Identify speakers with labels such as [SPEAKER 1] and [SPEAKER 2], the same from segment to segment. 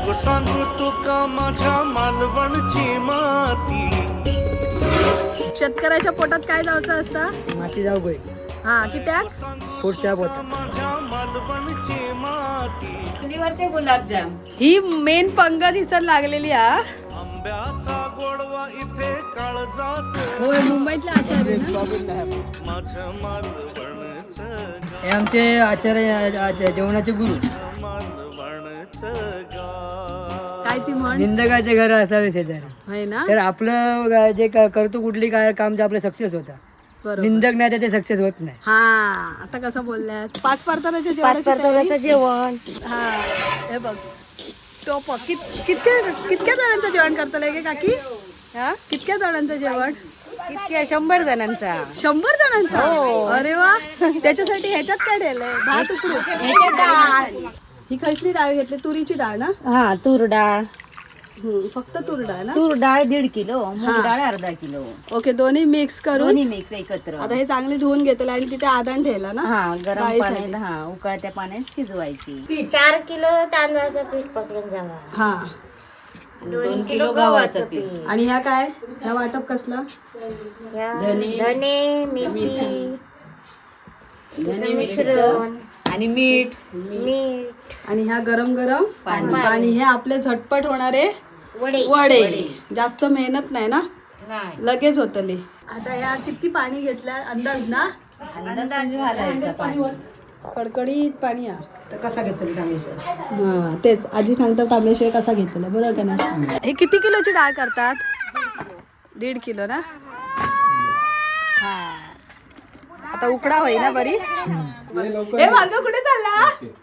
[SPEAKER 1] नको सांगू तुका माझ्या मालवणची माती.
[SPEAKER 2] शेतकऱ्याच्या पोटात काय जायचं असतं?
[SPEAKER 3] माती जाऊ बाई
[SPEAKER 2] हा कित्याक?
[SPEAKER 3] पुढच्या पोता
[SPEAKER 1] माझ्या मालवणची माती.
[SPEAKER 4] चुलीवरचे गुलाबजाम.
[SPEAKER 2] ही मेन पंगत हिचं लागलेली हा.
[SPEAKER 1] आंब्याचा गोडवा इथे काळजात.
[SPEAKER 2] होय मुंबईतले आचार्य ना.
[SPEAKER 1] माझ्या मालवणचं
[SPEAKER 3] हे आमचे आचार्य जेवणाचे गुरु.
[SPEAKER 1] मालवणचं गाव.
[SPEAKER 2] काय ती म्हण?
[SPEAKER 3] निंदकाचे घर असावे शेजारी.
[SPEAKER 2] होय ना.
[SPEAKER 3] तर आपलं जे करतो कुठली काय काम ते आपलं सक्सेस होता.
[SPEAKER 2] बरोबर.
[SPEAKER 3] निंदक नाही तर ते सक्सेस होत नाही.
[SPEAKER 2] हा आता कसं बोलल्यात? पाच परताव्याचे जेवण. हा हे बघ टोप कितक्या जणांचं जेवण करतलंय गे काकी? हा कितक्या जणांचं जेवण?
[SPEAKER 4] इतक्या 100 जणांचा.
[SPEAKER 2] 100 जणांचा. अरे वा. त्याच्यासाठी ह्याच्यात काय ठेवलंय? भात उकडू. ही खैसली डाळ घेतली, तुरीची डाळ ना?
[SPEAKER 4] हा तूर डाळ.
[SPEAKER 2] फक्त तूर डाळ ना?
[SPEAKER 4] तूर डाळ 1.5 किलो, मूग डाळ अर्धा किलो.
[SPEAKER 2] ओके दोन्ही मिक्स करून
[SPEAKER 4] दोन्ही मिक्स एकत्र.
[SPEAKER 2] आता हे चांगले धुवून घेतलं आणि तिथे आदान ठेवला ना?
[SPEAKER 4] हा गरम
[SPEAKER 2] डाळीसाठी.
[SPEAKER 4] पाण्यात हा उकळत्या पाण्यात शिजवायची.
[SPEAKER 5] 4 किलो तांदळाचं पीठ पकडून जावा.
[SPEAKER 2] हा
[SPEAKER 4] 2 किलो गव्हाचं पीठ.
[SPEAKER 2] आणि ह्या काय? ह्या वाटप कसला?
[SPEAKER 5] या धने, मेथी, तिचं मिश्रण,
[SPEAKER 4] आणि मीठ.
[SPEAKER 5] मीठ,
[SPEAKER 2] आणि ह्या गरम गरम पाणी. हे आपले झटपट होणारे
[SPEAKER 5] वडे.
[SPEAKER 2] वडे. जास्त मेहनत नाही ना,
[SPEAKER 5] नाही.
[SPEAKER 2] लगेच होतली. आता ह्या किती पाणी घेतल्या अंदाज ना?
[SPEAKER 4] अंदाज घालायचा पाणी.
[SPEAKER 2] कडकडीत पाणी हा. कसा घेतलं हा तेच आजी सांगतात तांबेशिवाय कसा घेतला बरोबर का ना. हे किती किलोची डाळ करतात? 1.5 किलो ना. हा आता उकडा होई ना बरी. हे भार्गव कुठे चालला?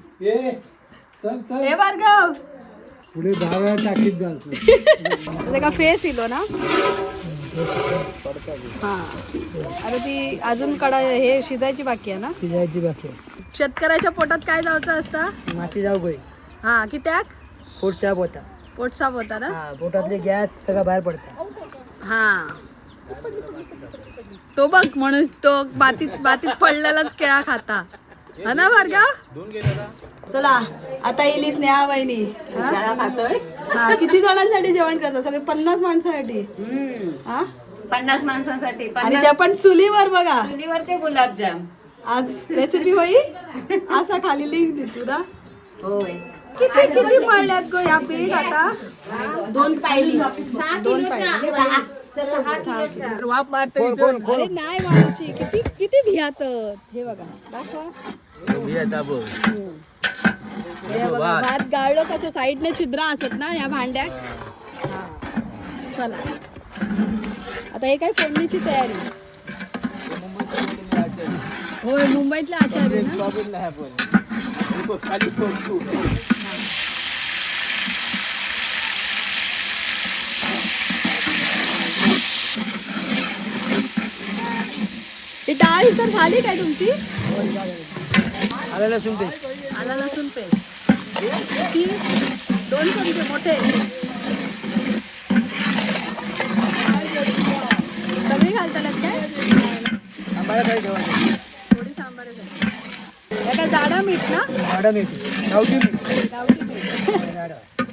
[SPEAKER 2] हे भार्गव
[SPEAKER 6] पुढे 10 वेळा टाकीत जायचं.
[SPEAKER 2] तुझा का फेस इलो ना. हा अरे ती अजून कडा हे शिजायची बाकी आहे ना.
[SPEAKER 3] शिजायची बाकी आहे.
[SPEAKER 2] शेतकऱ्याच्या पोटात काय जायचं असतं?
[SPEAKER 3] माती जाऊ बाई
[SPEAKER 2] हा कित्याक?
[SPEAKER 3] पुढच्या पोता.
[SPEAKER 2] पोट साफ होता ना.
[SPEAKER 3] हा पोटातले गॅस सगळं बाहेर पडतात.
[SPEAKER 2] हा तो बघ म्हणून तो बातीत पडलेलाच केळा खाता हा ना भार्गव. चला आता येईल स्नेहा वहिनी. हा किती जणांसाठी जेवण करतो? सगळे 50 माणसासाठी. हा
[SPEAKER 4] 50 माणसांसाठी.
[SPEAKER 2] आणि त्या पण चुलीवर बघा.
[SPEAKER 4] चुलीवरचे गुलाबजाम.
[SPEAKER 2] आज रेसिपी होई असा खाली लिंक दे तुला.
[SPEAKER 4] होय.
[SPEAKER 2] किती किती मळल्यात गो या पीठ आता?
[SPEAKER 4] 2 पायली.
[SPEAKER 5] 6 किलोचा. 6 किलोचा.
[SPEAKER 3] वाफ मारतो इथून.
[SPEAKER 2] अरे नाही मारायची. किती किती भियात. हे बघा दाखवा. हे बघा भात गाळलो कसं साईडने छिद्र असत ना या भांड्यात. हा चला आता हे काय फोडणीची तयारी. होय मुंबईतले आचार्य ना. ही डाळ ही तर झाली काय तुमची?
[SPEAKER 3] आलं लसूण पेस्ट.
[SPEAKER 2] आला लसूण पेस्ट ती 2 चमचे मोठे. सगळी घालताना काय?
[SPEAKER 3] आंबाला काय ठेवायचं?
[SPEAKER 2] थोडी सांबार आहे. काय जाडा मीठ ना?
[SPEAKER 3] झाडं मेथी गावठी मीठ.
[SPEAKER 2] गावठी मीठ.
[SPEAKER 3] झाडं.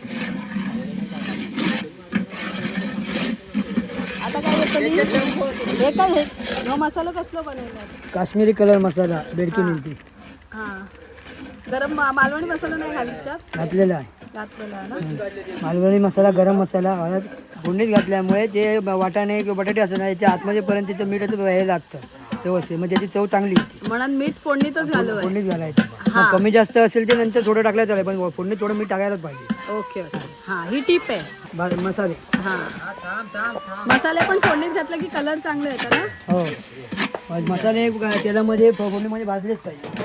[SPEAKER 2] आता काय येतं? हे काय हे? ह्यो मसाला कसलो बनवला?
[SPEAKER 3] काश्मीरी कलर मसाला बेडकी मिळते
[SPEAKER 2] हा गरम मालवणी मसाला नाही घालतात
[SPEAKER 3] घातलेला आहे.
[SPEAKER 2] घातलेला आहे ना.
[SPEAKER 3] मालवणी मसाला गरम मसाला हळद फोडणीत घातल्यामुळे ते वाटाणे किंवा बटाटे असं ना याच्या आतमध्ये पर्यंत त्याचं मीठाचं हे लागतं व्यवस्थित म्हणजे त्याची चव चांगली येते.
[SPEAKER 2] म्हणून मीठ फोडणीतच घालू.
[SPEAKER 3] फोडणीत घालायचं. मग कमी जास्त असेल ते नंतर थोडं टाकलं चालेल पण फोडणीत थोडं मीठ टाकायलाच पाहिजे.
[SPEAKER 2] ओके ओके हा ही टीप आहे.
[SPEAKER 3] मसाले
[SPEAKER 2] हा मसाले पण फोडणीत घातलं की कलर चांगले येतात ना.
[SPEAKER 3] हो मसाले तेलामध्ये फोडणीमध्ये भाजलेच पाहिजे.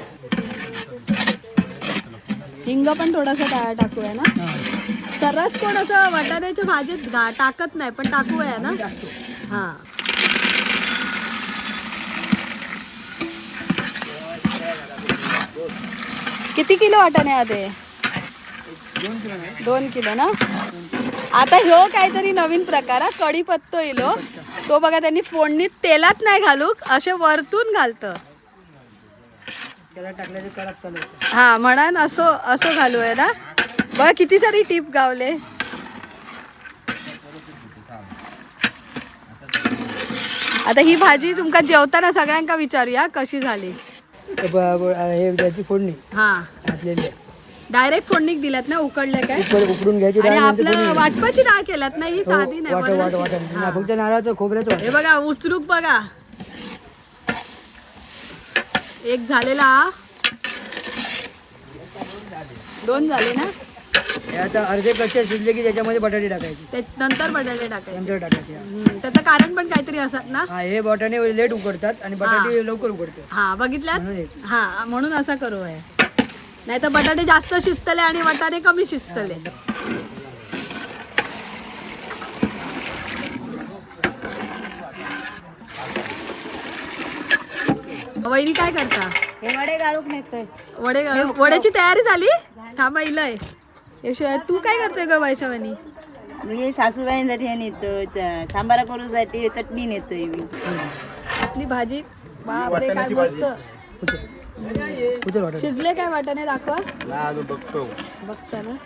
[SPEAKER 2] हिंग पण थोडासा टाकूया ना. सर्रास कोण असं वाटाण्याच्या भाजीत टाकत नाही पण टाकूया ना. हा किती किलो वाटाणे आहे? 2 किलो ना. आता ह्यो काहीतरी नवीन प्रकार हा कढीपत्तो इलो तो बघा त्यांनी फोडणीत तेलात नाही घालू असे वरतून घालतं.
[SPEAKER 3] त्याला टाकल्याचे कडक चालू.
[SPEAKER 2] हा म्हणून असं असं घालूया ना. बघा किती सारी टीप गावले. आता ही भाजी तुमका जेवताना सगळ्यांका विचारूया कशी झाली.
[SPEAKER 3] हे त्याची फोडणी
[SPEAKER 2] हा
[SPEAKER 3] घातलेली आहे.
[SPEAKER 2] डायरेक्ट फोडणीक दिल्यात ना उकडले काय
[SPEAKER 3] उकडून घ्यायची
[SPEAKER 2] आणि
[SPEAKER 3] डाळ नंतर
[SPEAKER 2] आपलं
[SPEAKER 3] फोडणी.
[SPEAKER 2] वाटपाची डाळ केल्यात ना ही साधी नाही
[SPEAKER 3] वाटण
[SPEAKER 2] वरणाची.
[SPEAKER 3] वाटण
[SPEAKER 2] हा.
[SPEAKER 3] फक्त नारळाचं खोबऱ्याचं वाटण.
[SPEAKER 2] हे बघा उचलूक बघा एक झालेला 2 झाले ना.
[SPEAKER 3] हे आता अर्धे कच्चे शिजले की त्याच्यामध्ये बटाटे टाकायचे
[SPEAKER 2] ते नंतर बटाटे टाकायचे.
[SPEAKER 3] नंतर टाकायचे.
[SPEAKER 2] त्याचं कारण पण काहीतरी असत ना.
[SPEAKER 3] हा हे बटाटे लेट उकडतात आणि बटाटे लवकर उकडतात.
[SPEAKER 2] हा बघितल्यात
[SPEAKER 3] म्हणून
[SPEAKER 2] हा म्हणून असं करू आहे. नाही तर बटाटे जास्त शिजतले आणि वाटाणे कमी शिजतले. वहिनी काय करता.
[SPEAKER 4] हे वडे गाळूक नेतोय.
[SPEAKER 2] वड्याची तयारी झाली. थांबा इलय तू काय करतोय ग वैशवानी.
[SPEAKER 4] मी सासूबाईंसाठी हे नेतो, सांबारा करूसाठी चटणी नेतोय मी.
[SPEAKER 2] आपली भाजी बापरे काय मस्त
[SPEAKER 3] उचल वाटण.
[SPEAKER 2] शिजले काय वाटाणे दाखवा. बघता ना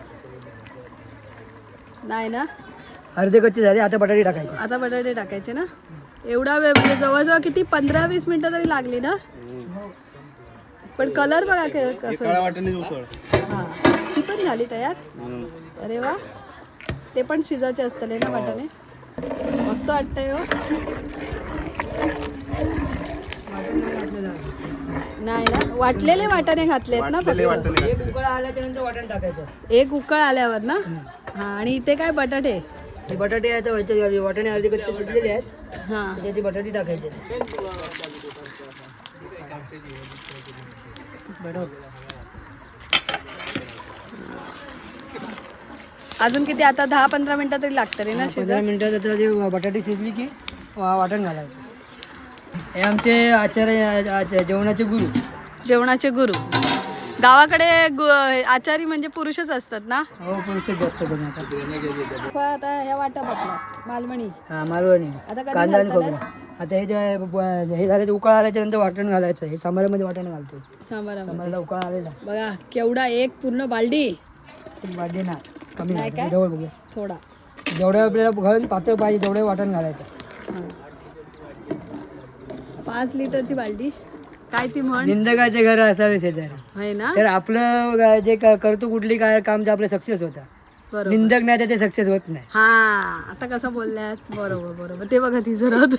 [SPEAKER 2] नाही ना.
[SPEAKER 3] अर्धे कच्चे झाले आता बटाटे टाकायचे.
[SPEAKER 2] आता बटाटे टाकायचे ना. एवढा वेळ म्हणजे जवळजवळ किती 15-20 मिनिटं तरी लागली ना. पण कलर बघा कसं. हा ती पण झाली तयार. अरे वा ते पण शिजायचे असतले ना वाटाणे. मस्त वाटतंय हो. नाही ना वाटलेले वाटाणे घातलेत ना फक्त.
[SPEAKER 3] एक उकळ आल्याच्या नंतर वाटण टाकायचं.
[SPEAKER 2] एक उकळ आल्यावर ना. हा आणि इथे काय बटाटे.
[SPEAKER 3] हे बटाटे आता व्हायचे वाटाणे अर्धे कच्चे शिजलेले आहेत.
[SPEAKER 2] हा
[SPEAKER 3] त्याचे बटाटे टाकायचे.
[SPEAKER 2] अजून किती आता 10-15 मिनिटं तरी लागतं रे ना
[SPEAKER 3] 15 मिनिटात आता जे बटाटे शिजली की वाटण घालायचं. हे आमचे आचार्य जेवणाचे गुरु.
[SPEAKER 2] जेवणाचे गुरु. गावाकडे आचारी म्हणजे पुरुषच असतात ना.
[SPEAKER 3] हो पुरुषच जास्त बनवतात.
[SPEAKER 2] आता ह्या वाटा बघला मालवणी.
[SPEAKER 3] हा मालवणी
[SPEAKER 2] आता कधी
[SPEAKER 3] कांदा आणि
[SPEAKER 2] घालताना?
[SPEAKER 3] खोबरं. आता हे जे हे झालं उकळ आल्याच्या नंतर वाटण घालायचं. हे सांबारामध्ये वाटण घालतो.
[SPEAKER 2] सांबारामध्ये
[SPEAKER 3] सांबाराला उकळ आलेला
[SPEAKER 2] बघा केवढा एक पूर्ण बालडी.
[SPEAKER 3] वाढले ना कमी
[SPEAKER 2] नाही काय?
[SPEAKER 3] जवळ बघूया.
[SPEAKER 2] थोडा
[SPEAKER 3] जेवढं आपल्याला घालून पातळ पाहिजे तेवढं वाटण घालायचं.
[SPEAKER 2] 5 लिटरची बालडी. काय ती म्हण
[SPEAKER 3] निंदकाचे घर असावे शेजारी.
[SPEAKER 2] आहे ना.
[SPEAKER 3] तर आपलं जे करतो कुठली काय काम जे आपलं सक्सेस होतं.
[SPEAKER 2] बरोबर.
[SPEAKER 3] निंदक नाही तर ते सक्सेस होत नाही.
[SPEAKER 2] हा आता कसं बोलल्यात. बरोबर बरोबर ते बघा ती जरत.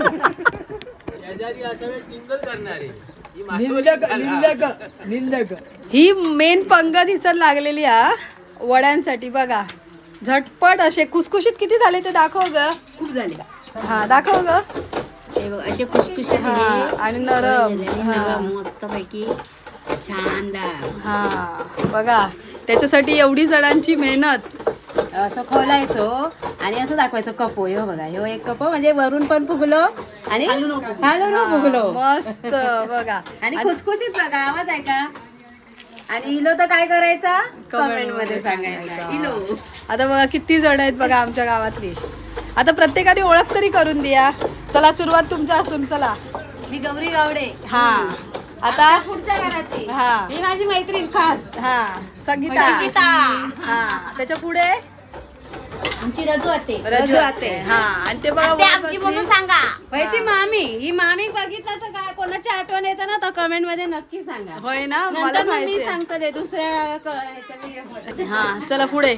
[SPEAKER 3] निंदक
[SPEAKER 2] ही मेन पंगत हिचं लागलेली हा वड्यांसाठी. बघा झटपट असे खुसखुशीत किती झाले ते दाखव ग.
[SPEAKER 4] खूप झाली.
[SPEAKER 2] हा दाखव ग.
[SPEAKER 4] हे बघ असे खुसखुशीत
[SPEAKER 2] हा आणि नरम. हा
[SPEAKER 4] मस्त पैकी छान डाळ.
[SPEAKER 2] हा बघा त्याच्यासाठी एवढी जणांची मेहनत.
[SPEAKER 4] असं खोलायचं आणि असं दाखवायचं कपो. हे बघा हे एक कपो म्हणजे वरून पण फुगलो आणि खालून फुगलो.
[SPEAKER 2] मस्त बघा
[SPEAKER 4] आणि खुसखुशीत बघा. आवाज आहे का. आणि इलो तर काय करायचा कमेंट मध्ये सांगायचा इलो.
[SPEAKER 2] आता बघा किती जण आहेत बघा आमच्या गावातली. आता प्रत्येकाने ओळख तरी करून द्या. चला सुरुवात तुमच्या असून. चला
[SPEAKER 4] मी गौरी गावडे.
[SPEAKER 2] हा आता
[SPEAKER 4] पुढच्या घरातली
[SPEAKER 2] हा
[SPEAKER 4] ही माझी मैत्रीण खास
[SPEAKER 2] हा संगीता.
[SPEAKER 4] संगीता.
[SPEAKER 2] हा त्याच्या पुढे
[SPEAKER 4] आमची रजू आते.
[SPEAKER 2] रजू आते. हा आणि ते बघा वर
[SPEAKER 4] आमची म्हणून
[SPEAKER 2] बसली.
[SPEAKER 4] सांगा. बाई ती मामी ही मामी बघितलं तर काय कोणाची आठवण येतं ना तर कमेंट मध्ये नक्की सांगा.
[SPEAKER 2] होय ना मला
[SPEAKER 4] नंतर मग
[SPEAKER 2] माहिती
[SPEAKER 4] मी
[SPEAKER 2] आहे.
[SPEAKER 4] सांगतो ते दुसऱ्या ह्याच्या video मध्ये.
[SPEAKER 2] हा चला पुढे.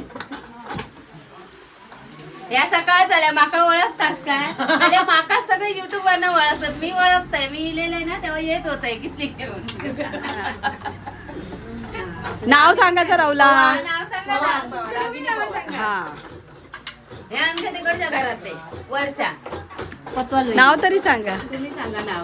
[SPEAKER 4] या सकाळ झाल्या माका ओळखतास काय. अरे माका सगळे युट्यूब वरनं ओळखतात. मी ओळखतोय. मी इलेलंय ना तेव्हा येत होतंय किती घेऊन.
[SPEAKER 2] नाव सांगायचं राहुला.
[SPEAKER 4] नाव सांगा ना. तुम्ही नाव सांगा.
[SPEAKER 2] हा
[SPEAKER 4] हे आमच्या तिकडच्या घरातले वरच्या.
[SPEAKER 2] नाव तरी सांगा.
[SPEAKER 4] तुम्ही सांगा नाव.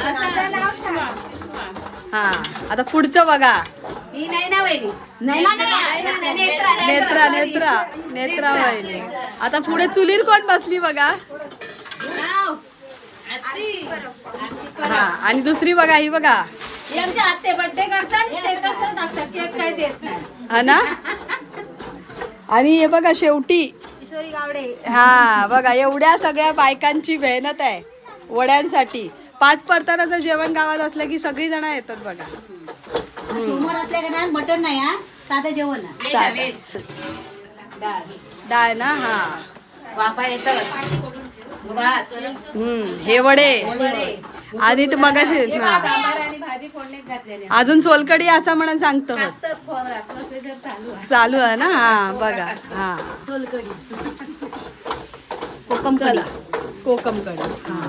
[SPEAKER 2] हा आता पुढचं बघा.
[SPEAKER 4] ही नाही ना वहिनी. नाही नेत्रा
[SPEAKER 2] नेत्रा नेत्रा नेत्रा वहिनी. आता पुढे चुलीर कोण बसली बघा.
[SPEAKER 4] नाव.
[SPEAKER 2] हा आणि दुसरी बघा ही बघा.
[SPEAKER 4] ही आमच्या आत्ते बर्थडे करतात आणि स्टेटसवर टाकतात. केक काय देत नाही.
[SPEAKER 2] हा ना. आणि हे बघा शेवटी
[SPEAKER 5] किशोरी गावडे.
[SPEAKER 2] हा बघा एवढ्या सगळ्या बायकांची मेहनत आहे वड्यांसाठी. 5 परतानाचं जेवण गावात असलं की सगळी जण येतात बघा.
[SPEAKER 5] समोर असल्या का मटण नाही हा.
[SPEAKER 4] व्हेज डाळ
[SPEAKER 2] डाळ ना हा
[SPEAKER 4] वाफा येतं भात
[SPEAKER 2] हे वडे आधी तू मगाशी हा.
[SPEAKER 4] सांबार आणि भाजी फोडणीत घातलेली
[SPEAKER 2] अजून सोलकडी असं म्हणून सांगतो
[SPEAKER 4] तर प्रोसिजर चालू आहे
[SPEAKER 2] चालू आहे ना हा बघा हा कोकम कढी कोकम कढी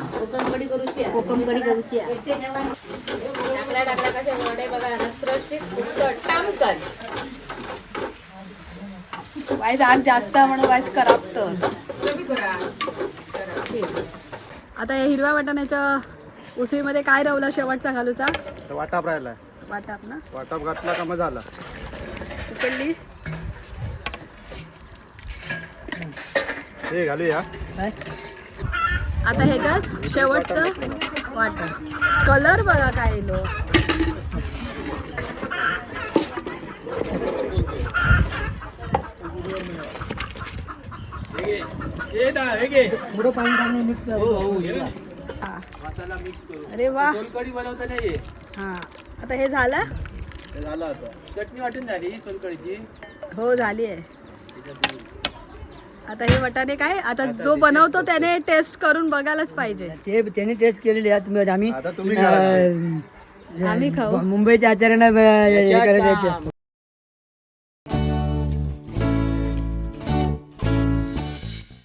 [SPEAKER 4] टाकल्या कसे वडे बघा नसरशीत फुकट टामकन
[SPEAKER 2] वाईज आग जास्त म्हणून वाईज करापत आता या हिरव्या वाटाण्याच्या उसळीमध्ये काय रवला शेवटचा घालूचा
[SPEAKER 6] वाटाप राहिलाय
[SPEAKER 2] वाटाप ना
[SPEAKER 6] वाटाप घातला का मग झाला
[SPEAKER 2] उकडली
[SPEAKER 6] हे घालूया
[SPEAKER 2] आता ह्याच्यात शेवटचं वाटण कलर बघा काय लो
[SPEAKER 3] पुढं पाणी टाकून मिक्स
[SPEAKER 2] अरे वा
[SPEAKER 3] सोलकढी बनवताना ये
[SPEAKER 2] हा आता हे झालं
[SPEAKER 6] हे झालं आता
[SPEAKER 3] चटणी वाटून झाली सोलकढीची
[SPEAKER 2] हो झाली आहे आता हे वटाणे काय आता जो बनवतो त्याने टेस्ट करून बघायलाच पाहिजे
[SPEAKER 3] ते त्यांनी टेस्ट केलेली आहे आम्ही
[SPEAKER 6] आता तुम्ही
[SPEAKER 2] आम्ही खाऊ
[SPEAKER 3] मुंबईच्या आचार्यांना हे करायचे असतं.